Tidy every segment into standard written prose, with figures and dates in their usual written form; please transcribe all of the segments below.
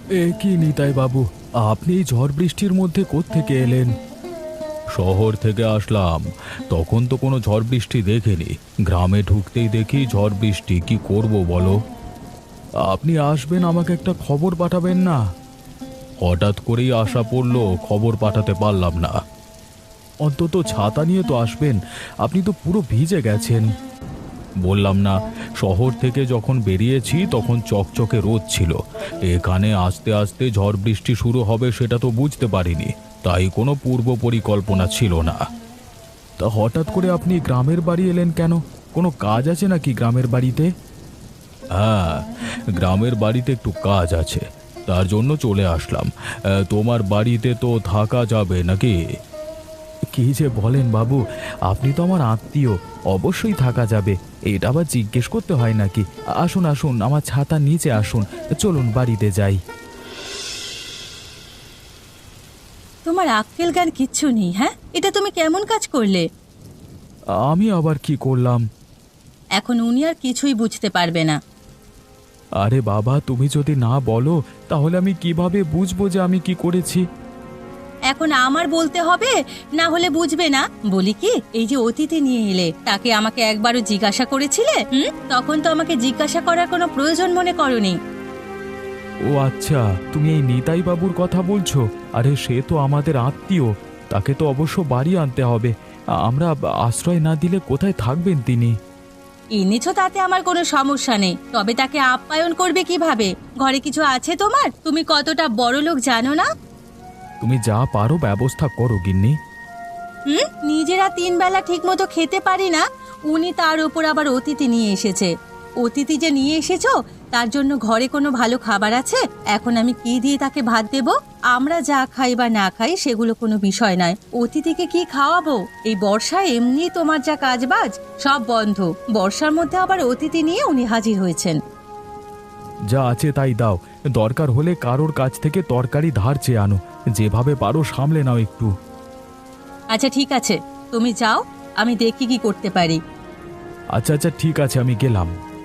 এ কি নিতাই বাবু, আপনি এই ঝড় বৃষ্টির মধ্যে কোত্থেকে এলেন? শহর থেকে আসলাম। তখন তো কোনো ঝড় বৃষ্টি দেখিনি। গ্রামে ঢুকতেই দেখি ঝড় বৃষ্টি, কি করব বলো? আপনি আসবেন, আমাকে একটা খবর পাঠাবেন না? হঠাৎ করেই আশা পড়লো, খবর পাঠাতে পারলাম না। অন্তত ছাতা নিয়ে তো আসবেন, আপনি তো পুরো ভিজে গেছেন। বললাম না, শহর থেকে যখন বেরিয়েছি তখন চকচকে রোদ ছিল। এখানে আস্তে আস্তে ঝড় বৃষ্টি শুরু হবে সেটা তো বুঝতে পারিনি, তাই কোনো পূর্ব পরিকল্পনা ছিল না। তা হঠাৎ করে আপনি গ্রামের বাড়ি এলেন কেন? কোনো কাজ আছে নাকি গ্রামের বাড়িতে? হ্যাঁ, গ্রামের বাড়িতে একটু কাজ আছে, তার জন্য চলে আসলাম। তোমার বাড়িতে তো থাকা যাবে নাকি? কি যে বলেন বাবু, আপনি তো আমার আত্মীয়, অবশ্যই থাকা যাবে। এটা আবার জিজ্ঞেস করতে হয় নাকি? আসুন আসুন, আমার ছাতা নিচে আসুন, চলুন বাড়িতে যাই। তোমার আক্কেল জ্ঞান কিচ্ছু নেই। হ্যাঁ, এটা তুমি কেমন কাজ করলে? আমি আবার কি করলাম? এখন উনি আর কিছুই বুঝতে পারবে না। আরে বাবা, তুমি যদি না বলো তাহলে আমি কিভাবে বুঝবো যে আমি কি করেছি? এখন আমার বলতে হবে, না হলে বুঝবে না। বলি কি, এই যে অতিথি নিয়ে এলে, তাকে আমাকে একবারও জিজ্ঞাসা করেছিলে? তখন তো আমাকে জিজ্ঞাসা করার কোনো প্রয়োজন মনে করনি। ও আচ্ছা, তুমি এই নিতাই বাবুর কথা বলছো? আরে সে তো আমাদের আত্মীয়, তাকে তো অবশ্য বাড়ি আনতে হবে। আমরা আশ্রয় না দিলে কোথায় থাকবেন তিনি? এনেছো তাতে আমার কোনো সমস্যা নেই, তবে তাকে আপ্যায়ন করবে কিভাবে? ঘরে কিছু আছে তোমার? তুমি কতটা বড় লোক জানো না? তুমি যা পারো ব্যবস্থা করো গিন্নি। নিজেরা 3 বেলা ঠিক মতো খেতে পারি না, উনি তার উপর আবার অতিথি নিয়ে এসেছে। অতিথি যে নিয়ে এসেছো, তার জন্য ঘরে কোনো ভালো খাবার আছে? এখন আমি কি দিয়ে তাকে ভাত দেব? আমরা যা খাই বা না খাই সেগুলো কোনো বিষয় নয়, অতিথিকে কি খাওয়াবো? এই বর্ষায় এমনি তোমার যা কাজবাজ সব বন্ধ, বর্ষার মধ্যে আবার অতিথি নিয়ে উনি হাজির হয়েছেন। যা আছে তাই দাও, দরকার হলে কারোর কাছ থেকে তরকারি ধার চেয়ে আনো, যেভাবে পারো সামলে নাও একটু। আচ্ছা ঠিক আছে, তুমি যাও, আমি দেখি কি করতে পারি। আচ্ছা আচ্ছা ঠিক আছে, আমি গেলাম।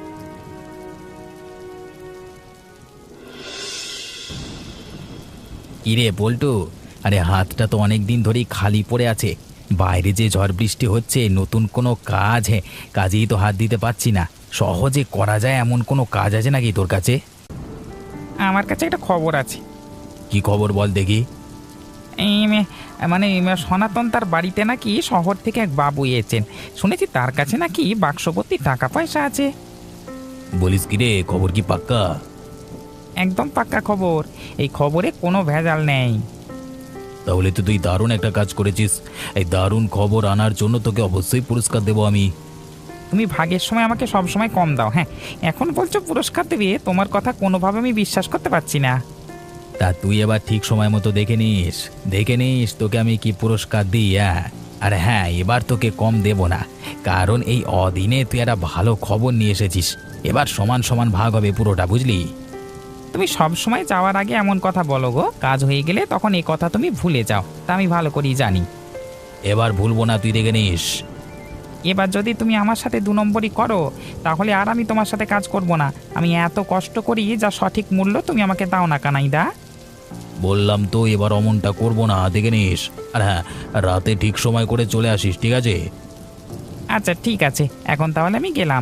কিরে বল্টু, আরে হাতটা তো অনেক দিন ধরেই খালি পড়ে আছে। বাইরে যে ঝড় বৃষ্টি হচ্ছে, নতুন কোনো কাজেই তো হাত দিতে পারছি না। সহজে করা যায় এমন কোনো কাজ আছে নাকি তোর কাছে? আমার কাছে একটা খবর আছে। কি খবর বল দেখি। এই সনাতন তার বাড়িতে নাকি শহর থেকে এক বাবু এসেছেন। শুনেছি তার কাছে নাকি বাক্সভর্তি টাকা পয়সা আছে। বলিস কিরে, খবর কি পাক্কা? একদম পাক্কা খবর, এই খবরে কোনো ভেজাল নেই। তাহলে তো তুই দারুণ একটা কাজ করেছিস। এই দারুণ খবর আনার জন্য তোকে অবশ্যই পুরস্কার দেবো আমি। তুমি ভাগের সময় আমাকে সব সময় কম দাও। হ্যাঁ, এখন বলছো পুরস্কার দেবে, তোমার কথা কোনোভাবে আমি বিশ্বাস করতে পারছি না। তা তুই এবার ঠিক সময় মতো দেখে নিস তোকে আমি কি পুরস্কার দিই। হ্যাঁ, আর হ্যাঁ, এবার তোকে কম দেব না, কারণ এই অদিনে তুই একটা ভালো খবর নিয়ে এসেছিস। এবার সমান সমান ভাগ হবে পুরোটা, বুঝলি? তুমি সব সময় যাওয়ার আগে এমন কথা বলো গো, কাজ হয়ে গেলে তখন এই কথা তুমি ভুলে যাও, তা আমি ভালো করেই জানি। এবার ভুলবো না, তুই দেখে নিস। এবার যদি তুমি আমার সাথে 2 নম্বরই করো, তাহলে আর আমি তোমার সাথে কাজ করব না। আমি এত কষ্ট করি, যা সঠিক মূল্য তুমি আমাকে দাও না কানাইদা। বললাম তো এবার অমনটা করবো না, দেখে নিস। আর হ্যাঁ, রাতে ঠিক সময় করে চলে আসিস, ঠিক আছে? আচ্ছা ঠিক আছে, এখন তাহলে আমি গেলাম।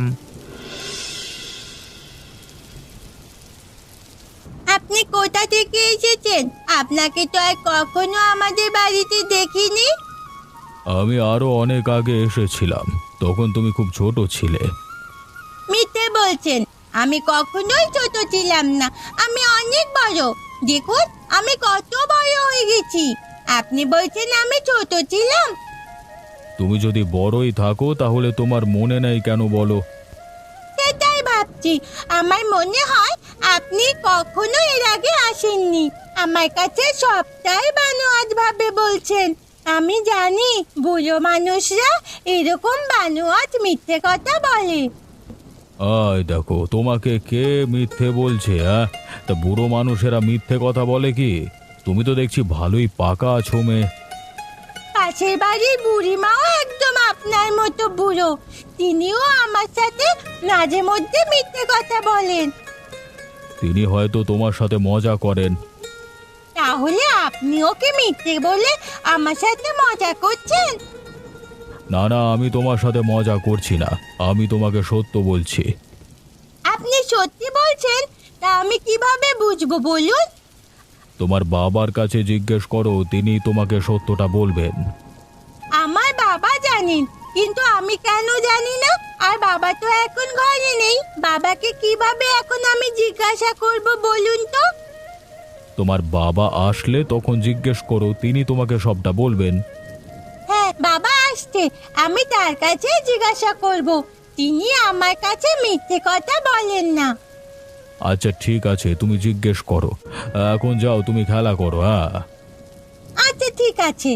আপনি কোথা থেকে এসেছেন? আপনাকে তো আর কখনো আমাদের বাড়িতে দেখিনি। আমি আরো অনেক আগে এসেছিলাম, তখন তুমি খুব ছোট ছিলে। মিথ্যে বলছেন, আমি কখনোই ছোট ছিলাম না, আমি অনেক বড়। দেখুন আমি কত বড় হয়ে গেছি। আপনি বলছেন আমি ছোট ছিলাম? তুমি যদি বড়ই থাকো তাহলে তোমার মনে নেই কেন বলো? সেটাই ভাবছি, আমার মনে হয় আপনি কখনো এর আগে আসেননি। আমার কাছে সবটাই বানোয়াট ভাবে বলছেন। আমি জানি বুড়ো মানুষরা এরকম বানোয়াট মিথ্যে কথা বলে। আয় দেখো, তোমাকে কে মিথ্যে বলছে? হ্যাঁ, তা বুড়ো মানুষেরা মিথ্যে কথা বলে কি? তুমি তো দেখছি ভালোই পাকা আছো মেয়ে। পাশের বাড়ির বুড়িমাও একদম আপনার মতো বুড়ো, তিনিও আমার সাথে মাঝে মধ্যে মিথ্যে কথা বলেন। তিনি হয়তো তোমার সাথে মজা করেন। তাহলে আপনি ওকে মিথ্যে বলে আমার সাথে মজা করছেন? না না, আমি তোমার সাথে মজা করছি না, আমি তোমাকে সত্য বলছি। আপনি সত্যি বলছেন? তা আমি কিভাবে বুঝবো বলুন? তোমার বাবার কাছে জিজ্ঞেস করো, তিনি তোমাকে সত্যটা বলবেন। আমার বাবা জানেন, কিন্তু আমি কেন জানি না? আর বাবা তো এখন ঘরে নেই, বাবাকে কিভাবে এখন আমি জিজ্ঞাসা করব বলুন তো? তোমার বাবা আসলে তখন জিজ্ঞেস করো, তিনি তোমাকে সবটা বলবেন। হ্যাঁ, বাবা আসছে, আমি তার কাছে জিজ্ঞাসা করব। তিনি আমার কাছে মিথ্যে কথা বলেন না। আচ্ছা ঠিক আছে, তুমি জিজ্ঞেস করো। এখন যাও, তুমি খেলা করো। হ্যাঁ, আচ্ছা ঠিক আছে।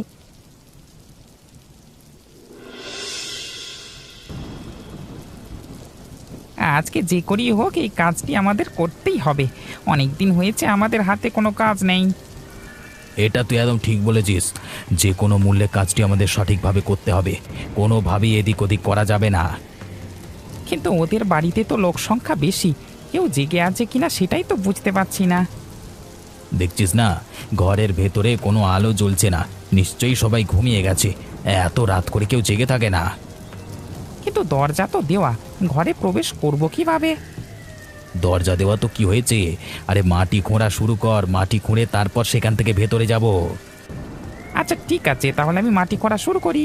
আজকে যে করি হোক এই কাজটি আমাদের করতেই হবে। অনেক দিন হয়েছে আমাদের হাতে কোনো কাজ নেই। এটা তুই একদম ঠিক বলেছিস, যে কোনো মূল্যে কাজটি আমাদের সঠিকভাবে করতে হবে, কোনোভাবেই এদিক ওদিক করা যাবে না। কিন্তু ওদের বাড়িতে তো লোক সংখ্যা বেশি, কেউ জেগে আছে কিনা সেটাই তো বুঝতে পারছি না। দেখছিস না, ঘরের ভেতরে কোনো আলো জ্বলছে না, নিশ্চয়ই সবাই ঘুমিয়ে গেছে। এত রাত করে কেউ জেগে থাকে না। কিন্তু দরজা তো দেওয়া, ঘরে প্রবেশ করব কিভাবে? দরজা দেওয়া তো কি হয়েছে, আরে মাটি খোঁড়া শুরু কর, মাটি খুঁড়ে তারপর সেখান থেকে ভেতরে যাব। আচ্ছা ঠিক আছে, তাহলে আমি মাটি করা শুরু করি।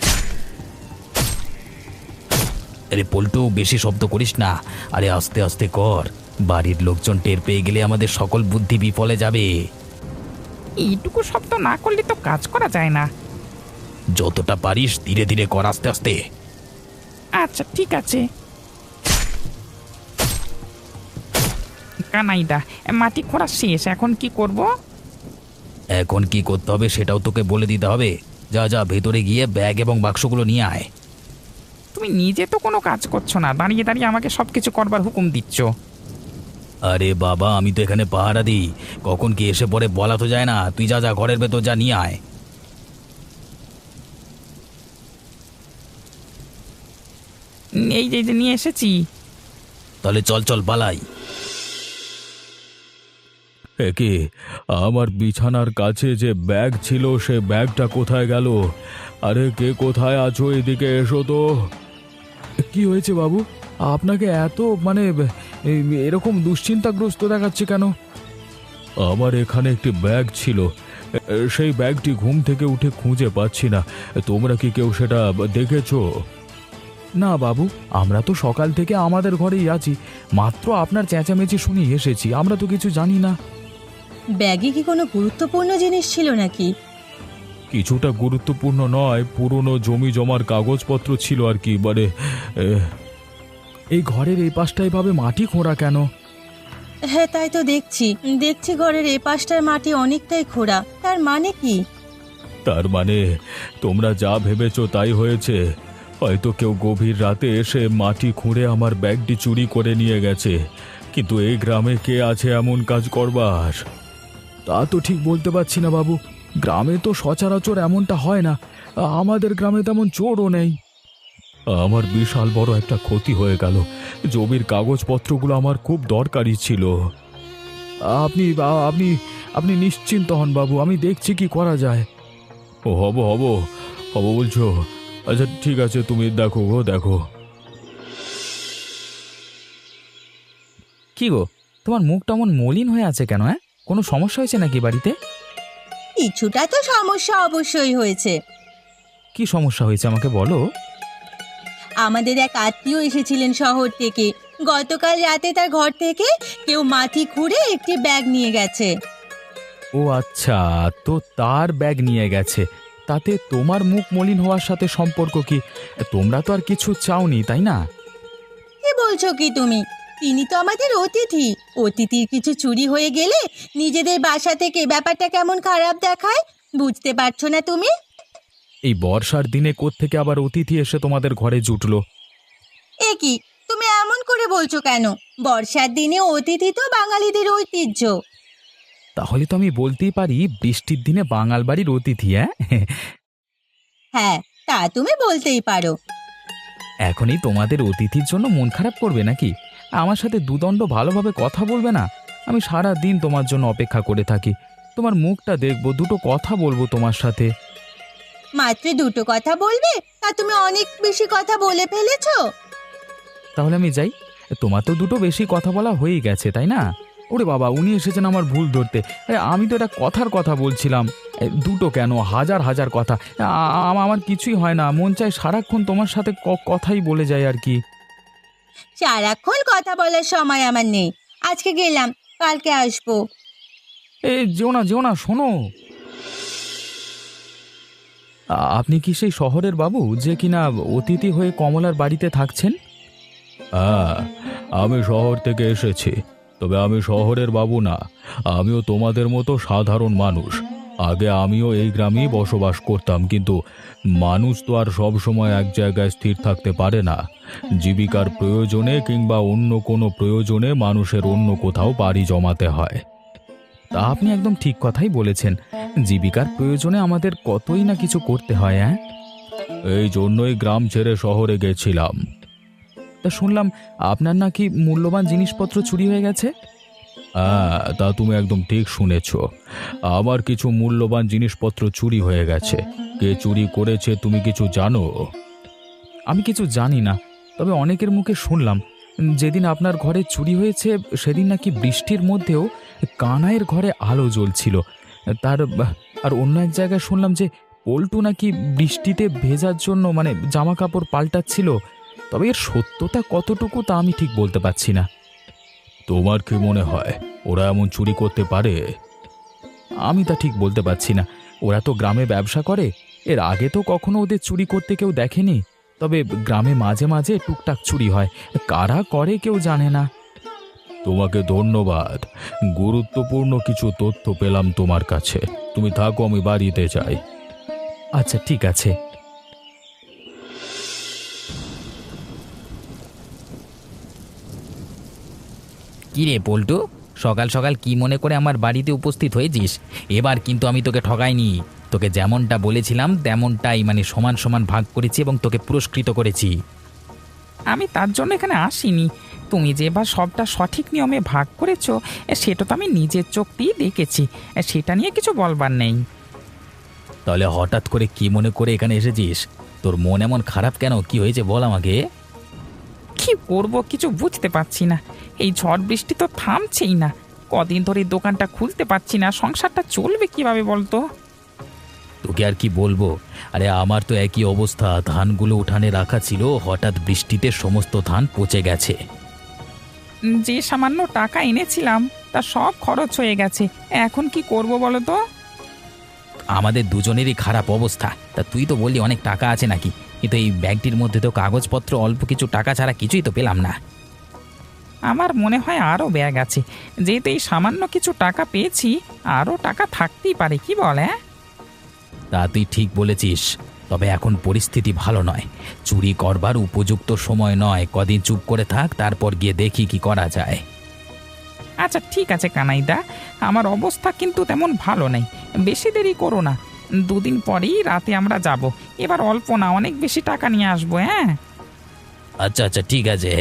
আরে পল্টু, বেশি শব্দ করিস না, আরে আস্তে আস্তে কর, বাড়ির লোকজন টের পেয়ে গেলে আমাদের সকল বুদ্ধি বিফলে যাবে। এইটুকু শব্দ না করলে তো কাজ করা যায় না। যতটা পারিস ধীরে ধীরে কর, আস্তে আস্তে। আচ্ছা ঠিক আছে। কানাইদা, মাটি খোঁড়া শেষ, এখন কি করব? এখন কি করতে হবে সেটাও তোকে বলে দিতে হবে। যা যা, ভেতরে গিয়ে ব্যাগ এবং বাক্সগুলো নিয়ে আয়। তুমি নিজে তো কোনো কাজ করছো না, দাঁড়িয়ে দাঁড়িয়ে আমাকে সবকিছু করবার হুকুম দিচ্ছ। আরে বাবা, আমি তো এখানে পাহারা দিই, কখন কি এসে পড়ে বলা তো যায় না। তুই যা যা, ঘরের ভেতর যা, নিয়ে আয়। এই যে যে নিয়ে এসেছি। তাহলে চল চল পালাই। কি, আমার বিছানার কাছে যে ব্যাগ ছিল সে ব্যাগটা কোথায় গেল? আরে কে কোথায় আছো, এদিকে এসো তো। কি হয়েছে বাবু, আপনাকে এত এরকম দুশ্চিন্তাগ্রস্ত দেখাচ্ছে কেন? আমার এখানে একটি ব্যাগ ছিল, সেই ব্যাগটি ঘুম থেকে উঠে খুঁজে পাচ্ছি না। তোমরা কি কেউ সেটা দেখেছো? না বাবু, আমরা তো সকাল থেকে আমাদের ঘরেই আছি, মাত্র আপনার চেঁচামেচি শুনে এসেছি, আমরা তো কিছু জানি না। ব্যাগে কি কোনো গুরুত্বপূর্ণ জিনিস ছিল নাকি? কিছুটা গুরুত্বপূর্ণ নয়, পুরনো জমি জমার কাগজপত্র ছিল আর কি। এই ঘরের এই পাশটা এভাবে মাটি খোঁড়া কেন? হ্যাঁ তাই তো দেখছি, ঘরের এ পাশটার মাটি অনেকটাই খোঁড়া। তার মানে কি? তার মানে তোমরা যা ভেবেছো তাই হয়েছে। হয়তো কেউ গভীর রাতে এসে মাটি খুঁড়ে আমার ব্যাগটি চুরি করে নিয়ে গেছে। কিন্তু এই গ্রামে কে আছে এমন কাজ করবার? তা তো ঠিক বলতে পারছি না বাবু, গ্রামে তো সচরাচর এমনটা হয় না, আমাদের গ্রামে তেমন চোরও নেই। আমার বিশাল বড় একটা ক্ষতি হয়ে গেল, জমির কাগজপত্রগুলো আমার খুব দরকারি ছিল। আপনি আপনি আপনি নিশ্চিন্ত হন বাবু, আমি দেখছি কি করা যায়। ও হব হব হব বলছো? আচ্ছা ঠিক আছে, তুমি দেখো গো, দেখো। কি গো, তোমার মুখটা এমন মলিন হয়ে আছে কেন? কোনো সমস্যা হয়েছে নাকি বাড়িতে? কিছুটা তো সমস্যা অবশ্যই হয়েছে। কি সমস্যা হয়েছে আমাকে বলো। আমাদের এক আত্মীয় এসেছিলেন শহর থেকে, গতকাল রাতে তার ঘর থেকে কেউ মাটি খুঁড়ে একটি ব্যাগ নিয়ে গেছে। ও আচ্ছা, তো তার ব্যাগ নিয়ে গেছে, তাতে তোমার মুখ মলিন হওয়ার সাথে সম্পর্ক কি? তোমরা তো আর কিছু চাওনি, তাই না? কি বলছো কি তুমি? তিনি তো আমাদের অতিথি, অতিথির কিছু চুরি হয়ে গেলে নিজেদের বাসা থেকে ব্যাপারটা কেমন খারাপ দেখায়, বুঝতে পারছো না তুমি? এই বর্ষার দিনে কোত্থেকে আবার অতিথি এসে তোমাদের ঘরে জুটলো? এ কি, তুমি এমন করে বলছো কেন? বর্ষার দিনে অতিথি তো বাঙালিদের ঐতিহ্য। তাহলে তো আমি বলতেই পারি বৃষ্টির দিনে বাঙাল বাড়ির অতিথি। হ্যাঁ, তা তুমি বলতেই পারো। এখনই তোমাদের অতিথির জন্য মন খারাপ করবে নাকি? আমার সাথে দুদণ্ড ভালোভাবে কথা বলবে না? আমি সারা দিন তোমার জন্য অপেক্ষা করে থাকি। তোমার মুখটা দেখবো, দুটো কথা বলবো তোমার সাথে। মাত্র দুটো কথা বলবে? তা তুমি অনেক বেশি কথা বলে ফেলেছো। তাহলে আমি যাই? তোমার তো দুটো বেশি কথা বলা হয়েই গেছে, তাই না? ওরে বাবা, উনি এসেছেন আমার ভুল ধরতে। আমি তো এটা কথার কথা বলছিলাম। দুটো কেন, হাজার হাজার কথা। আমার কিছুই হয় না, মন চায় সারাক্ষণ তোমার সাথে কথাই বলে যায় আর কি। সারাক্ষণ কথা বলার সময় আমার নেই। আজকে গেলাম, কালকে আসবো। যেও না যেও না, শোনো। আপনি কি সেই শহরের বাবু যে কিনা অতিথি হয়ে কমলার বাড়িতে থাকছেন? হ্যাঁ, আমি শহর থেকে এসেছি, তবে আমি শহরের বাবু না। আমিও তোমাদের মতো সাধারণ মানুষ। আগে আমিও এই গ্রামেই বসবাস করতাম, কিন্তু মানুষ তো আর সব সময় এক জায়গায় স্থির থাকতে পারে না। জীবিকার প্রয়োজনে কিংবা অন্য কোনো প্রয়োজনে মানুষের অন্য কোথাও বাড়ি জমাতে হয়। তা আপনি একদম ঠিক কথাই বলেছেন। জীবিকার প্রয়োজনে আমাদের কতই না কিছু করতে হয়। এই জন্যই গ্রাম ছেড়ে শহরে গেছিলাম। তা শুনলাম আপনার নাকি মূল্যবান জিনিসপত্র চুরি হয়ে গেছে। হ্যাঁ, তা তুমি একদম ঠিক শুনেছ। আমার কিছু মূল্যবান জিনিসপত্র চুরি হয়ে গেছে। কে চুরি করেছে তুমি কিছু জানো? আমি কিছু জানি না, তবে অনেকের মুখে শুনলাম যেদিন আপনার ঘরে চুরি হয়েছে সেদিন নাকি বৃষ্টির মধ্যেও কানাইয়ের ঘরে আলো জ্বলছিল। আর অন্য এক জায়গায় শুনলাম যে পল্টু নাকি বৃষ্টিতে ভেজার জন্য জামা কাপড় পাল্টাচ্ছিল। তবে এর সত্যতা কতটুকু তা আমি ঠিক বলতে পারছি না। তোমার কি মনে হয় ওরা এমন চুরি করতে পারে? আমি তা ঠিক বলতে পারছি না। ওরা তো গ্রামে ব্যবসা করে, এর আগে তো কখনো ওদের চুরি করতে কেউ দেখেনি। তবে গ্রামে মাঝে মাঝে টুকটাক চুরি হয়, কারা করে কেউ জানে না। তোমাকে ধন্যবাদ, গুরুত্বপূর্ণ কিছু তথ্য পেলাম তোমার কাছে। তুমি থাকো, আমি বাড়িতে যাই। আচ্ছা, ঠিক আছে। কি রে পল্টু, সকাল সকাল কি মনে করে আমার বাড়িতে উপস্থিত হয়েছিস? এবার কিন্তু আমি তোকে ঠকাইনি। তোকে যেমনটা বলেছিলাম তেমনটাই সমান সমান ভাগ করেছি এবং তোকে পুরস্কৃত করেছি। আমি তার জন্য এখানে আসিনি। তুমি যে এবার সবটা সঠিক নিয়মে ভাগ করেছো, সেটা তো আমি নিজের চোখ দিয়ে দেখেছি। সেটা নিয়ে কিছু বলবার নেই। তাহলে হঠাৎ করে কি মনে করে এখানে এসেছিস? তোর মন এমন খারাপ কেন? কি হয়েছে বল আমাকে। কি করব কিছু বুঝতে পারছি না। এই ঝড় বৃষ্টি তো থামছেই না। কদিন ধরে দোকানটা খুলতে পারছি না, সংসারটা চলবে কিভাবে বলতো? তোকে আর কি বলবো, আরে আমার তো একই অবস্থা। ধানগুলো উঠানে রাখা ছিল, হঠাৎ বৃষ্টিতে সমস্ত ধান পচে গেছে। যে সামান্য টাকা এনেছিলাম তা সব খরচ হয়ে গেছে। এখন কি করব বলো তো? আমাদের দুজনেরই খারাপ অবস্থা। তা তুই তো বললি অনেক টাকা আছে নাকি, কিন্তু এই ব্যাগটির মধ্যে তো কাগজপত্র অল্প কিছু টাকা ছাড়া কিছুই তো পেলাম না। আমার মনে হয় আরও ব্যাগ আছে। যেহেতু এই সামান্য কিছু টাকা পেয়েছি, আরও টাকা থাকতেই পারে, কি বল? তা তুই ঠিক বলেছিস, তবে এখন পরিস্থিতি ভালো নয়। চুরি করবার উপযুক্ত সময় নয়। কদিন চুপ করে থাক, তারপর গিয়ে দেখি কি করা যায়। আচ্ছা ঠিক আছে কানাইদা, আমার অবস্থা কিন্তু তেমন ভালো নেই। বেশি দেরি করো না, দুদিন পরেই রাতে আমরা যাব। এবার অল্প না, অনেক বেশি টাকা নিয়ে আসবো। আচ্ছা আচ্ছা, ঠিক আছে।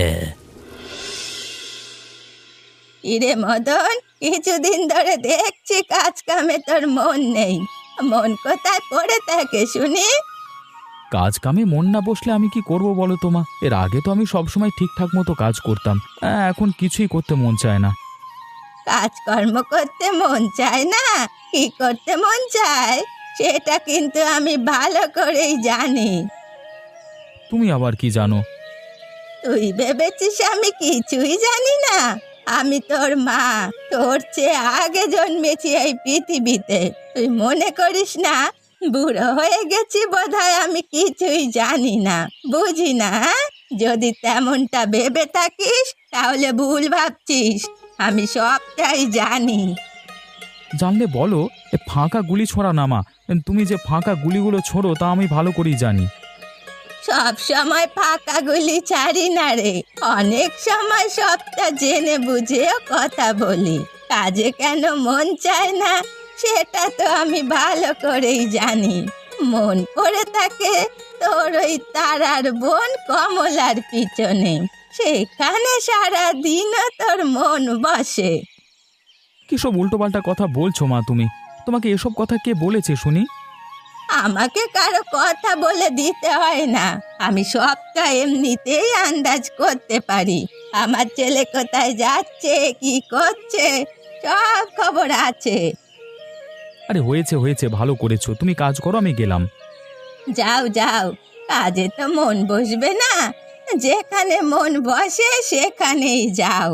ইরে মদন, কিছুদিন ধরে দেখছি কাজ কামে তোর মন নেই। মন কোথায় পড়ে থাকে শুনি? কাজ কামে মন না বসলে আমি কি করব বলো তোমা? এর আগে তো আমি সবসময় ঠিকঠাক মতো কাজ করতাম, এখন কিছুই করতে মন চায় না। কাজকর্ম করতে মন চায় না? কি করতে মন চায় সেটা কিন্তু আমি ভালো করেই জানি। তুমি আবার কি জানো? তুই ভেবেছিস আমি কিছুই জানি না? আমি তোর মা, তোর চেয়ে আগে জন্মেছি এই পৃথিবীতে। তুই মনে করিস না বুড়ো হয়ে গেছি বোধহয় আমি কিছুই জানি না, বুঝি না? যদি তেমনটা ভেবে থাকিস তাহলে ভুল ভাবছিস। আমি সবটাই জানি। জানলে বলো, ফাঁকা গুলি ছোড়া নামা। তুমি যে ফাঁকা গুলিগুলো ছোড়ো তা আমি ভালো করেই জানি। সব সময় ফাঁকা গুলি ছাড়ি না রে, অনেক সময় সবটা জেনে বুঝেও কথা বলি। কাজে কেন মন চায় না সেটা তো আমি ভালো করেই জানি। মন পড়ে থাকে তোর ওই তারার বোন কমলার পিছনে। সেখানে সারা দিনও তোর মন বসে। কি সব উল্টোপাল্টা কথা বলছো মা তুমি? তোমাকে এসব কথা কে বলেছে শুনি? আমাকে কারো কথা বলে দিতে হয় না, আমি সবটা এমনিতেই আন্দাজ করতে পারি। আমার ছেলে কোথায় যাচ্ছে, কি করছে, সব খবর আছে। আরে হয়েছে হয়েছে, ভালো করেছো, তুমি কাজ করো, আমি গেলাম। যাও যাও, কাজে তো মন বসবে না, যেখানে মন বসে সেখানেই যাও।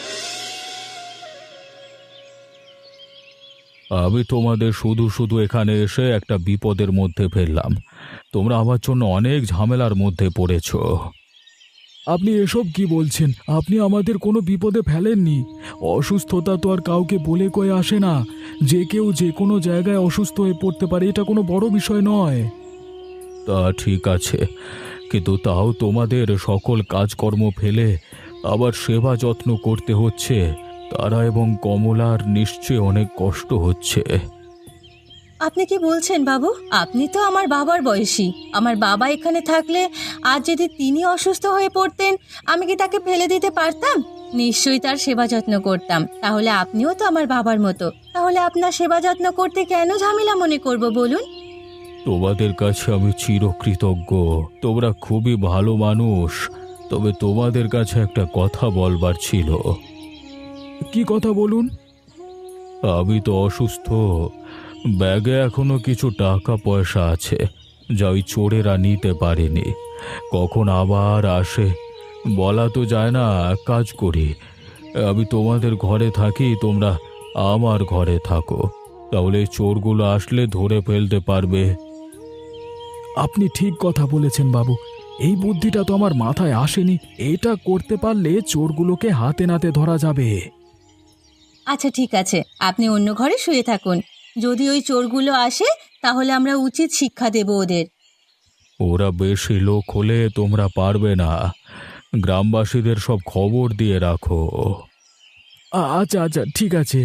আমি তোমাদের শুধু শুধু এখানে এসে একটা বিপদের মধ্যে ফেললাম। তোমরা আমার জন্য অনেক ঝামেলার মধ্যে পড়েছো। আপনি এসব কি বলছেন? আপনি আমাদের কোনো বিপদে ফেলেননি। অসুস্থতা তো আর কাউকে বলে কয়ে আসে না। যে কেউ যে কোনো জায়গায় অসুস্থ হয়ে পড়তে পারে, এটা কোনো বড় বিষয় নয়। তা ঠিক আছে, কিন্তু তাও তোমাদের সকল কাজকর্ম ফেলে আবার সেবা যত্ন করতে হচ্ছে। তারা এবং কমলার নিশ্চয় অনেক কষ্ট হচ্ছে। আপনি কি বলছেন বাবু? আপনি তো আমার বাবার বয়সী। আমার বাবা এখানে থাকলে আজ যদি তিনি অসুস্থ হয়ে পড়তেন, আমি কি তাকে ফেলে দিতে পারতাম? নিশ্চয়ই তার সেবা যত্ন করতাম। তাহলে আপনিও তো আমার বাবার মতো। তাহলে আপনার সেবা যত্ন করতে কেন ঝামেলা মনে করব বলুন? তোমাদের কাছে আমি চিরকৃতজ্ঞ। তোমরা খুবই ভালো মানুষ। তবে তোমাদের কাছে একটা কথা বলবার ছিল। কি কথা বলুন? আমি তো অসুস্থ। ব্যাগে এখনো কিছু টাকা পয়সা আছে, যা ওই চোরেরা নিতে পারেনি। কখন আবার আসে বলা তো যায় না। এক কাজ করি, আমি তোমাদের ঘরে থাকি, তোমরা আমার ঘরে থাকো। তাহলে এই চোরগুলো আসলে ধরে ফেলতে পারবে। আপনি ঠিক কথা বলেছেন বাবু। এই বুদ্ধিটা তো আমার মাথায় আসেনি। এটা করতে পারলে চোরগুলোকে হাতে নাতে ধরা যাবে। আচ্ছা ঠিক আছে, আপনি অন্য ঘরে শুয়ে থাকুন। যদি ওই চোরগুলো আসে তাহলে আমরা উচিত শিক্ষা দেব ওদের। ওরা বেশি লোক হলে তোমরা পারবে না। গ্রামবাসীদের সব খবর দিয়ে রাখো। আচ্ছা আচ্ছা ঠিক আছে।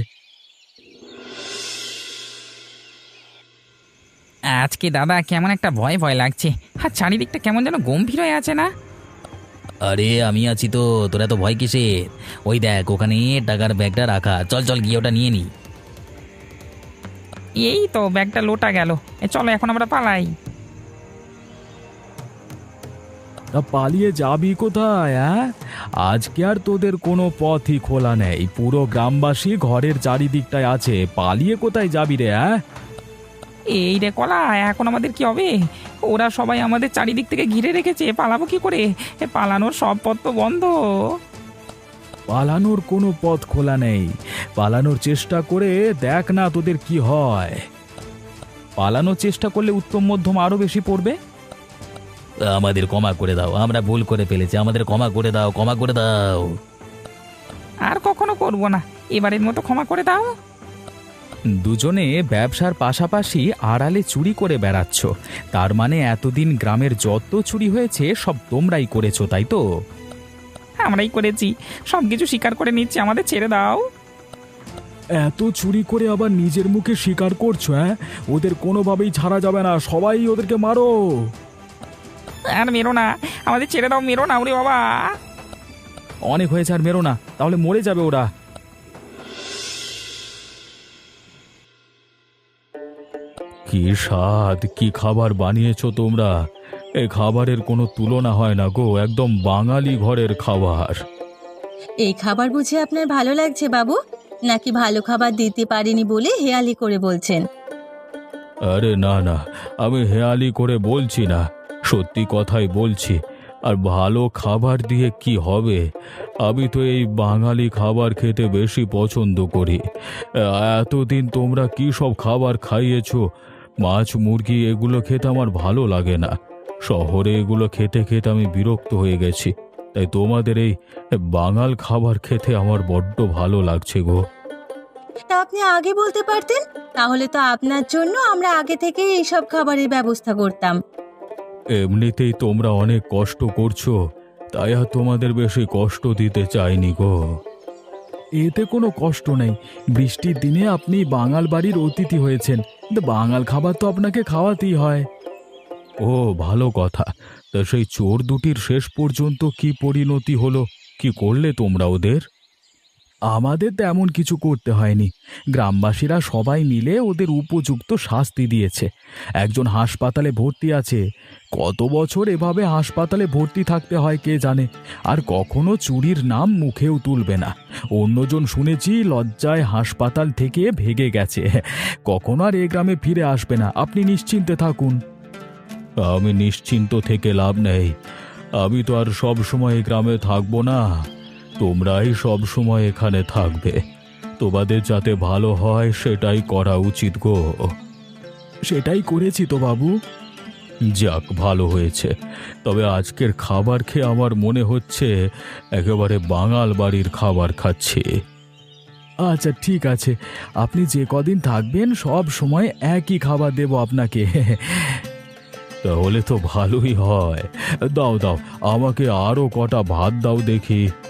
আজকে দাদা কেমন একটা ভয় ভয় লাগছে। আর চারিদিকটা কেমন যেন গম্ভীর হয়ে আছে না? আরে আমি আছি তো, তোরা তো ভয় কিসের? ওই দেখ ওখানে টাকার ব্যাগটা রাখা, চল চল গিয়ে ওটা নিয়ে নি। এই তো ব্যাগটা লোটা গেল। চলো এখন আমরা পালাই। তা পালিয়ে যাবি কোথায়? আজকে আর তোদের কোনো পথই খোলা নেই। পুরো গ্রামবাসী ঘরের চারিদিকটায় আছে। পালিয়ে কোথায় যাবি রে? এই রে কলা, এখন আমাদের কি হবে? ওরা সবাই আমাদের চারিদিক থেকে ঘিরে রেখেছে, পালাবো কি করে? পালানোর সব পথ তো বন্ধ। পালানোর কোনো পথ খোলা নেই। পালানোর চেষ্টা করে দেখ না তোদের কি হয়। পালানোর চেষ্টা করলে উত্তম মধ্যম আরো বেশি পড়বে। আমাদের ক্ষমা করে দাও, আমরা ভুল করে ফেলেছি, আমাদের ক্ষমা করে দাও, ক্ষমা করে দাও। আর কখনো করবো না, এবারের মতো ক্ষমা করে দাও। দুজনে ব্যবসার পাশাপাশি আড়ালে চুরি করে বেড়াচ্ছ। তার মানে এতদিন গ্রামের যত চুরি হয়েছে সব তোমরাই করেছো, তাই তো? আমরাই করেছি, সব কিছু স্বীকার করে নিচ্ছি, আমাদের ছেড়ে দাও। এত চুরি করে আবার নিজের মুখে স্বীকার করছো? ওদের কোনোভাবেই ছাড়া যাবে না, সবাই ওদেরকে মারো। আর মেরো না, আমাদের ছেড়ে দাও, মেরো না ওরে বাবা। অনেক হয়েছে, আর মেরো না, তাহলে মরে যাবে ওরা। কি স্বাদ, কি খাবার বানিয়েছো তোমরা! এই খাবারের কোনো তুলনা হয় না গো, একদম বাঙালি ঘরের খাবার। এই খাবার বুঝে আপনার ভালো লাগছে বাবু? নাকি ভালো খাবার দিতে পারিনি বলে হেয়ালি করে বলছেন? আরে না না, আমি হেয়ালি করে বলছি না, সত্যি কথাই বলছি। আর ভালো খাবার দিয়ে কি হবে? আমি তো এই বাঙালি খাবার খেতে বেশি পছন্দ করি। এতদিন তোমরা কি সব খাবার খাইয়েছো, মাছ মুরগি এগুলো খেতে আমার ভালো লাগে না। শহরে এগুলো খেতে খেতে আমি বিরক্ত হয়ে গেছি। তাই তোমাদের এই বাঙাল খাবার খেতে আমার বড্ড ভালো লাগছে গো। তা আপনি আগে বলতে পারতেন, তাহলে তো আপনার জন্য আমরা আগে থেকেই এইসব খাবারের ব্যবস্থা করতাম। এমনিতেই তোমরা অনেক কষ্ট করছো, তাই আর তোমাদের বেশি কষ্ট দিতে চাইনি গো। এতে কোনো কষ্ট নেই। বৃষ্টির দিনে আপনি বাঙাল বাড়ির অতিথি হয়েছেন, কিন্তু বাঙাল খাবার তো আপনাকে খাওয়াতেই হয়। ও ভালো কথা। তা সেই চোর দুটির শেষ পর্যন্ত কি পরিণতি হলো? কি করলে তোমরা ওদের? আমাদের তেমন কিছু করতে হয়নি। গ্রামবাসীরা সবাই মিলে ওদের উপযুক্ত শাস্তি দিয়েছে। একজন হাসপাতালে ভর্তি আছে। কত বছর এভাবে হাসপাতালে ভর্তি থাকতে হয় কে জানে। আর কখনো চুরির নাম মুখেও তুলবে না। অন্যজন শুনেছি লজ্জায় হাসপাতাল থেকে ভেগে গেছে। কখনো আর এ গ্রামে ফিরে আসবে না, আপনি নিশ্চিন্তে থাকুন। আমি নিশ্চিন্ত থেকে লাভ নেই। আমি তো আর সব সময় এই গ্রামে থাকবো না। তোমরাই সব সময় এখানে থাকবে। তোমাদের যাতে ভালো হয় সেটাই করা উচিত গো। সেটাই করেছি তো বাবু। যাক, ভালো হয়েছে। তবে আজকের খাবার খেয়ে আমার মনে হচ্ছে একেবারে বাঙাল বাড়ির খাবার খাচ্ছি। আচ্ছা ঠিক আছে, আপনি যে কদিন থাকবেন সব সময় একই খাবার দেব আপনাকে। তাহলে তো ভালোই হয়। দাও দাও, আমাকে আরো কটা ভাত দাও দেখি।